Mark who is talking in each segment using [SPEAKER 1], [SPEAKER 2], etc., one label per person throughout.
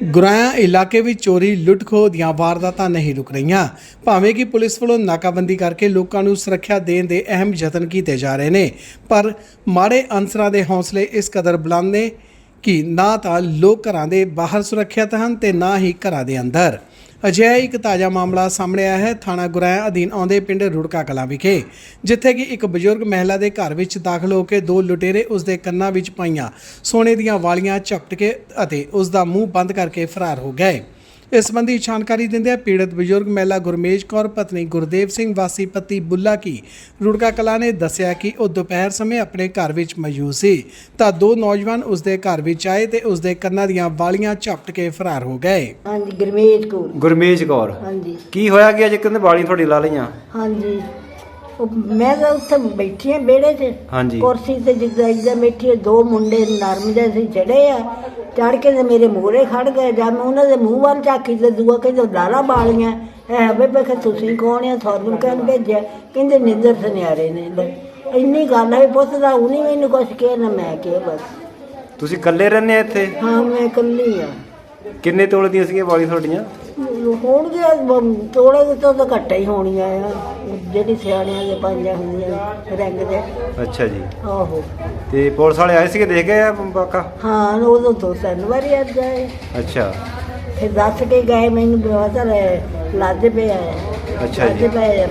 [SPEAKER 1] ਗੁਰਾਇਆ ਇਲਾਕੇ ਵਿੱਚ ਚੋਰੀ ਲੁੱਟ ਖੋਹ ਦੀਆਂ ਵਾਰਦਾਤਾਂ ਨਹੀਂ ਰੁਕ ਰਹੀਆਂ। ਭਾਵੇਂ ਕਿ ਪੁਲਿਸ ਵੱਲੋਂ ਨਾਕਾਬੰਦੀ ਕਰਕੇ ਲੋਕਾਂ ਨੂੰ ਸੁਰੱਖਿਆ ਦੇਣ ਦੇ ਅਹਿਮ ਯਤਨ ਕੀਤੇ ਜਾ ਰਹੇ ਨੇ, ਪਰ ਮਾੜੇ ਅਨਸਰਾਂ ਦੇ ਹੌਸਲੇ ਇਸ ਕਦਰ ਬੁਲੰਦ ਨੇ ਕਿ ਨਾ ਤਾਂ ਲੋਕ ਘਰਾਂ ਦੇ ਬਾਹਰ ਸੁਰੱਖਿਅਤ ਹਨ ਤੇ ਨਾ ਹੀ ਘਰਾਂ ਦੇ ਅੰਦਰ। ਅਜਿਹਾ ਇੱਕ ਤਾਜ਼ਾ ਮਾਮਲਾ ਸਾਹਮਣੇ ਆਇਆ ਹੈ ਥਾਣਾ ਗੁਰਾਇਆ ਅਧੀਨ ਆਉਂਦੇ ਪਿੰਡ ਰੁੜਕਾ ਕਲਾਂ ਵਿਖੇ, ਜਿੱਥੇ ਕਿ ਇੱਕ ਬਜ਼ੁਰਗ ਮਹਿਲਾ ਦੇ ਘਰ ਵਿੱਚ ਦਾਖਲ ਹੋ ਕੇ ਦੋ ਲੁਟੇਰੇ ਉਸ ਦੇ ਕੰਨਾਂ ਵਿੱਚ ਪਾਈਆਂ ਸੋਨੇ ਦੀਆਂ ਵਾਲੀਆਂ ਝਪਟ ਕੇ ਅਤੇ ਉਸ ਦਾ ਮੂੰਹ ਬੰਦ ਕਰਕੇ ਫਰਾਰ ਹੋ ਗਏ। ਇਸ ਸੰਬੰਧੀ ਜਾਣਕਾਰੀ ਦਿੰਦਿਆਂ ਪੀੜਤ ਬਜ਼ੁਰਗ ਮਹਿਲਾ ਗੁਰਮੇਜ ਕੌਰ ਪਤਨੀ ਗੁਰਦੇਵ ਸਿੰਘ ਵਾਸੀ ਪੱਤੀ ਬੁੱਲਾ ਕੀ ਰੁੜਕਾ ਕਲਾਂ ਨੇ ਦੱਸਿਆ ਕਿ ਉਹ ਦੁਪਹਿਰ ਸਮੇਂ ਆਪਣੇ ਘਰ ਵਿੱਚ ਮੌਜੂਦ ਸੀ ਤਾਂ ਦੋ ਨੌਜਵਾਨ ਉਸ ਦੇ ਘਰ ਵਿੱਚ ਆਏ ਤੇ ਉਸ ਦੇ ਕੰਨਾਂ ਦੀਆਂ ਵਾਲੀਆਂ ਝਪਟ ਕੇ ਫਰਾਰ ਹੋ ਗਏ।
[SPEAKER 2] ਹਾਂਜੀ ਗੁਰਮੇਜ ਕੌਰ ਹਾਂਜੀ।
[SPEAKER 3] ਕੀ ਹੋਇਆ ਕਿ ਅੱਜ ਕਹਿੰਦੇ ਵਾਲੀਆਂ ਤੁਹਾਡੀ ਲਾ ਲਈਆਂ?
[SPEAKER 2] ਹਾਂਜੀ ਮੈਂ ਤਾਂ ਉੱਥੇ ਬੈਠੀ ਆ ਵਿਹੜੇ 'ਚ
[SPEAKER 3] ਹਾਂਜੀ।
[SPEAKER 2] ਕੁਰਸੀ ਤੇ ਜਿੱਦਾਂ ਬੈਠੀ, ਦੋ ਮੁੰਡੇ ਨਰਮ ਜਿਹੇ ਸੀ ਚੜੇ ਆ, ਚੜ ਕੇ ਤੇ ਮੇਰੇ ਮੂਹਰੇ ਖੜ ਗਏ। ਜਦ ਮੈਂ ਉਹਨਾਂ ਦੇ ਮੂੰਹ ਵੱਲ ਝਾਕੀ ਤੇ ਦੂਆ ਕਹਿੰਦੇ ਲਾਲਾ ਵਾਲੀਆਂ ਹੈ ਬੇਬੇ ਕਿ ਤੁਸੀਂ ਕੌਣ ਆ, ਤੁਹਾਨੂੰ ਕਹਿਣ ਭੇਜਿਆ? ਕਹਿੰਦੇ ਨਿੱਦਰ ਸੁਨਿਆਰੇ ਨੇ। ਇੰਨੀ ਗੱਲ ਹੈ ਪੁੱਛਦਾ ਉਹ ਨਹੀਂ ਮੈਨੂੰ ਕੁਛ ਕਿਹਾ ਨਾ ਮੈਂ ਕਿਹਾ। ਬਸ
[SPEAKER 3] ਤੁਸੀਂ ਇਕੱਲੇ ਰਹਿੰਦੇ ਆ ਇੱਥੇ?
[SPEAKER 2] ਹਾਂ ਮੈਂ ਇਕੱਲੀ ਆ।
[SPEAKER 3] ਕਿੰਨੇ ਤੋਲੇ ਦੀਆਂ ਸੀਗੀਆਂ ਵਾਲੀਆਂ ਤੁਹਾਡੀਆਂ?
[SPEAKER 2] ਹੋਣਗੇ ਤੋਲੇ ਤੋਂ ਤਾਂ ਘੱਟ ਹੀ ਹੋਣੀਆਂ ਆ, ਜਿਹੜੀ ਸਿਆਣਿਆਂ ਦੇ ਪੰਜਾਂ ਹੁੰਦੀਆਂ ਰੰਗ ਦੇ।
[SPEAKER 3] ਅੱਛਾ ਜੀ।
[SPEAKER 2] ਆਹੋ।
[SPEAKER 3] ਤੇ ਪੁਲਿਸ ਵਾਲੇ ਆਏ ਸੀਗੇ, ਦੇਖ ਗਏ ਆ ਬਾਕਾ?
[SPEAKER 2] ਹਾਂ ਉਦੋਂ ਦੋ ਤਿੰਨ ਵਾਰੀ ਆ ਗਏ।
[SPEAKER 3] ਅੱਛਾ।
[SPEAKER 2] ਫਿਰ ਦੱਸ ਕੇ ਗਏ ਮੈਨੂੰ ਬਵਾਦਰ ਲੱਦ ਪਿਆ।
[SPEAKER 3] ਅੱਛਾ ਜੀ।
[SPEAKER 2] ਲੱਦ ਪਏ ਆ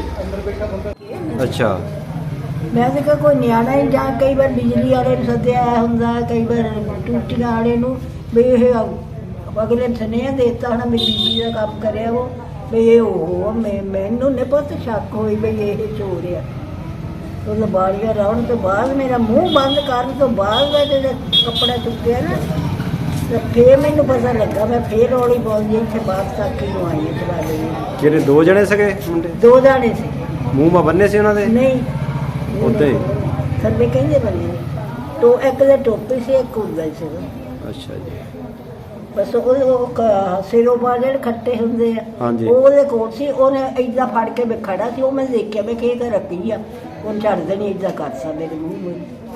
[SPEAKER 2] ਬੰਦੇ।
[SPEAKER 3] ਅੱਛਾ।
[SPEAKER 2] ਮੈਂ ਤਾਂ ਕਿਹਾ ਕੋਈ ਨਿਆਣਾ ਹੀ ਜਾਂ ਕਈ ਵਾਰ ਬਿਜਲੀ ਵਾਲੇ ਨੂੰ ਸੱਦਿਆ ਹੁੰਦਾ, ਕਈ ਵਾਰ ਟੂਟੀਆਂ ਵਾਲੇ ਨੂੰ ਵੀ ਇਹ ਅਗਲੇ ਨੇ ਸੁਨੇਹਾ ਦੇਤਾ ਹੋਣਾ ਮੇਰੀ ਬੀਬੀ ਦਾ ਕੰਮ ਕਰਿਆ ਉਹ ਵੀ ਇਹ ਉਹ ਮੈਨੂੰ ਨਹੀਂ ਬਹੁਤ ਸ਼ੱਕ ਹੋਈ ਵੀ ਇਹ ਚੋਰ ਆ। ਉਹ ਬਾਲੀਆਂ ਰਾਉਣ ਤੋਂ ਬਾਅਦ ਮੇਰਾ ਮੂੰਹ ਬੰਦ ਕਰਨ ਤੋਂ ਬਾਅਦ ਮੈਂ ਜਦੋਂ ਕੱਪੜਾ ਚੁੱਕਿਆ ਨਾ ਤੇ ਫੇਰ ਮੈਨੂੰ ਪਤਾ ਲੱਗਾ। ਮੈਂ ਫੇਰ ਰੌਲੀ ਬੋਲਦੀ ਇੱਥੇ ਬਾਹਰ ਤੱਕ ਹੀ ਆਈ ਹੈ ਚਲਾ ਲਈ।
[SPEAKER 3] ਕਿਹੜੇ ਦੋ ਜਣੇ ਸੀਗੇ ਮੁੰਡੇ?
[SPEAKER 2] ਦੋ ਜਾਣੇ ਸੀ।
[SPEAKER 3] ਮੂੰਹ ਮਾ ਬੰਨੇ ਸੀ ਉਹਨਾਂ ਦੇ?
[SPEAKER 2] ਨਹੀਂ
[SPEAKER 3] ਉੱਦਾਂ ਹੀ
[SPEAKER 2] ਥੱਲੇ ਕਹਿੰਦੇ ਬੰਨੇ ਤੋ ਇੱਕ ਦੇ ਟੋਪੀ ਸੀ, ਇੱਕ ਹੁੰਦਾ ਸੀ।
[SPEAKER 3] ਅੱਛਾ ਜੀ।
[SPEAKER 2] ਬਸ ਉਹ ਸਿਰੋਂ ਬਾਹਰ ਜਿਹੜੇ ਖੱਟੇ ਹੁੰਦੇ ਆ
[SPEAKER 3] ਹਾਂਜੀ।
[SPEAKER 2] ਉਹਦੇ ਕੋਲ ਸੀ। ਉਹਨੇ ਏਦਾਂ ਫੜ ਕੇ ਮੈਂ ਖੜਾ ਸੀ, ਉਹ ਮੈਂ ਦੇਖਿਆ ਮੈਂ ਕਿ ਰੱਖੀ ਆ। ਉਹ ਛੱਡਦੇ ਨਹੀਂ ਏਦਾਂ ਕਰਦਾ ਮੇਰੇ ਮੂੰਹ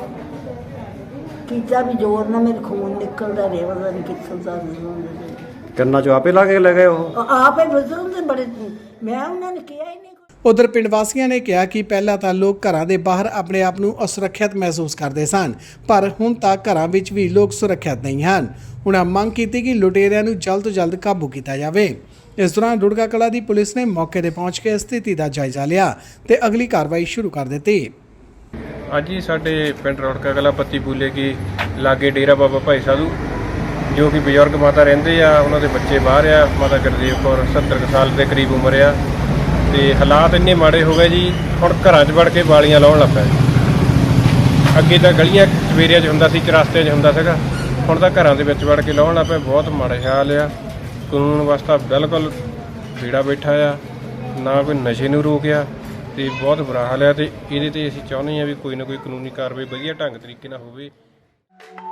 [SPEAKER 2] ਕੀਤਾ ਵੀ ਜ਼ੋਰ ਨਾਲ ਮੇਰੇ ਖੂਨ ਨਿਕਲਦਾ ਰਿਹਾ। ਪਤਾ ਨਹੀਂ ਕਿੱਥੋਂ ਦਾ
[SPEAKER 3] ਕੰਨਾਂ ਚੋਂ ਆਪੇ ਲਾ ਕੇ ਲੈ ਗਏ ਉਹ?
[SPEAKER 2] ਆਪੇ ਬਜ਼ੁਰਗ ਬੜੇ, ਮੈਂ ਉਹਨਾਂ ਨੇ ਕਿਹਾ ਹੀ ਨਹੀਂ।
[SPEAKER 1] ਉਧਰ ਪਿੰਡ ਵਾਸੀਆਂ ਨੇ ਕਿਹਾ ਕਿ ਪਹਿਲਾਂ ਤਾਂ ਲੋਕ ਘਰਾਂ ਦੇ ਬਾਹਰ ਆਪਣੇ ਆਪ ਨੂੰ ਅਸੁਰੱਖਿਅਤ ਮਹਿਸੂਸ ਕਰਦੇ ਸਨ, ਪਰ ਹੁਣ ਤਾਂ ਘਰਾਂ ਵਿੱਚ ਵੀ ਲੋਕ ਸੁਰੱਖਿਅਤ ਨਹੀਂ ਹਨ। ਉਹਨਾਂ ਮੰਗ ਕੀਤੀ ਕਿ ਲੁਟੇਰਿਆਂ ਨੂੰ ਜਲਦ ਤੋਂ ਜਲਦ ਕਾਬੂ ਕੀਤਾ ਜਾਵੇ। ਇਸ ਦੌਰਾਨ ਰੁੜਕਾ ਕਲਾਂ ਦੀ ਪੁਲਿਸ ਨੇ ਮੌਕੇ ਤੇ ਪਹੁੰਚ ਕੇ ਸਥਿਤੀ ਦਾ ਜਾਇਜ਼ਾ ਲਿਆ ਤੇ ਅਗਲੀ ਕਾਰਵਾਈ ਸ਼ੁਰੂ ਕਰ ਦਿੱਤੀ।
[SPEAKER 4] ਅੱਜ ਹੀ ਸਾਡੇ ਪਿੰਡ ਰੁੜਕਾ ਕਲਾਂ ਪੱਤੀ ਬੂਲੇ ਕੀ ਲਾਗੇ ਡੇਰਾ ਬਾਬਾ ਭਾਈ ਸਾਧੂ ਜੋ ਕਿ ਬਜ਼ੁਰਗ ਮਾਤਾ ਰਹਿੰਦੇ ਆ, ਉਹਨਾਂ ਦੇ ਬੱਚੇ ਬਾਹਰ ਆ। ਮਾਤਾ ਗੁਰਦੇਵ ਕੌਰ 70 ਕੁ ਸਾਲ ਦੇ ਕਰੀਬ ਉਮਰ ਆ ਤੇ ਹਾਲਾਤ ਇੰਨੇ ਮਾੜੇ ਹੋ ਗਏ ਜੀ, ਹੁਣ ਘਰਾਂ 'ਚ ਵੜ ਕੇ ਵਾਲੀਆਂ ਲਾਉਣ ਲੱਗ ਪਏ। ਅੱਗੇ ਤਾਂ ਗਲੀਆਂ ਸਵੇਰਿਆਂ 'ਚ ਹੁੰਦਾ ਸੀ, ਚੁਰਸਤਿਆਂ 'ਚ ਹੁੰਦਾ ਸੀਗਾ, ਹੁਣ ਤਾਂ ਘਰਾਂ ਦੇ ਵਿੱਚ ਵੜ ਕੇ ਲਾਉਣ ਲੱਗ ਪਏ। ਬਹੁਤ ਮਾੜਾ ਹਾਲ ਆ। ਕਾਨੂੰਨ ਵਾਸਤਾ ਬਿਲਕੁਲ ਭੀੜਾ ਬੈਠਾ ਆ, ਨਾ ਕੋਈ ਨਸ਼ੇ ਨੂੰ ਰੋਕਿਆ ਤੇ ਬਹੁਤ ਬੁਰਾ ਹਾਲ ਆ। ਤੇ ਇਹਦੇ ਤੇ ਅਸੀਂ ਚਾਹੁੰਦੇ ਹਾਂ ਵੀ ਕੋਈ ਨਾ ਕੋਈ ਕਾਨੂੰਨੀ ਕਾਰਵਾਈ ਵਧੀਆ ਢੰਗ ਤਰੀਕੇ ਨਾਲ ਹੋਵੇ।